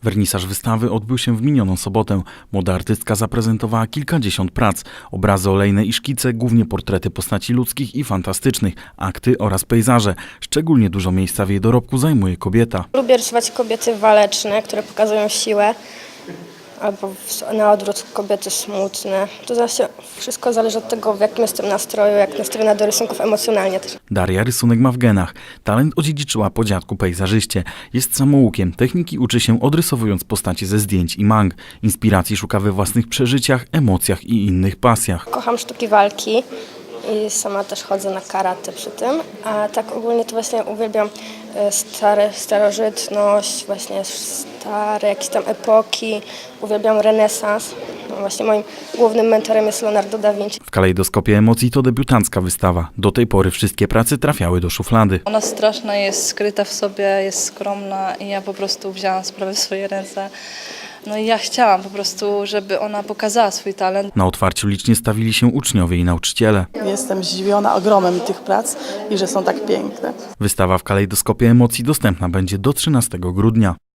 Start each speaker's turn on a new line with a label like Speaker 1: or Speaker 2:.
Speaker 1: Wernisaż wystawy odbył się w minioną sobotę. Młoda artystka zaprezentowała kilkadziesiąt prac. Obrazy olejne i szkice, głównie portrety postaci ludzkich i fantastycznych, akty oraz pejzaże. Szczególnie dużo miejsca w jej dorobku zajmuje kobieta.
Speaker 2: Lubię rysować kobiety waleczne, które pokazują siłę, albo na odwrót kobiety smutne. To zawsze wszystko zależy od tego, w jakim jestem nastroju, jak nastrojona do rysunków emocjonalnie też.
Speaker 1: Daria rysunek ma w genach. Talent odziedziczyła po dziadku pejzażyście. Jest samoukiem. Techniki uczy się odrysowując postacie ze zdjęć i mang. Inspiracji szuka we własnych przeżyciach, emocjach i innych pasjach.
Speaker 2: Kocham sztuki walki i sama też chodzę na karate przy tym, a tak ogólnie to właśnie uwielbiam starożytność, właśnie stare jakieś tam epoki, uwielbiam renesans. No właśnie moim głównym mentorem jest Leonardo da Vinci.
Speaker 1: W kalejdoskopie emocji to debiutancka wystawa. Do tej pory wszystkie prace trafiały do szuflady.
Speaker 3: Ona straszna jest, skryta w sobie, jest skromna i ja po prostu wzięłam sprawę w swoje ręce. No i ja chciałam po prostu, żeby ona pokazała swój talent.
Speaker 1: Na otwarciu licznie stawili się uczniowie i nauczyciele.
Speaker 4: Jestem zdziwiona ogromem tych prac i że są tak piękne.
Speaker 1: Wystawa w kalejdoskopie emocji dostępna będzie do 13 grudnia.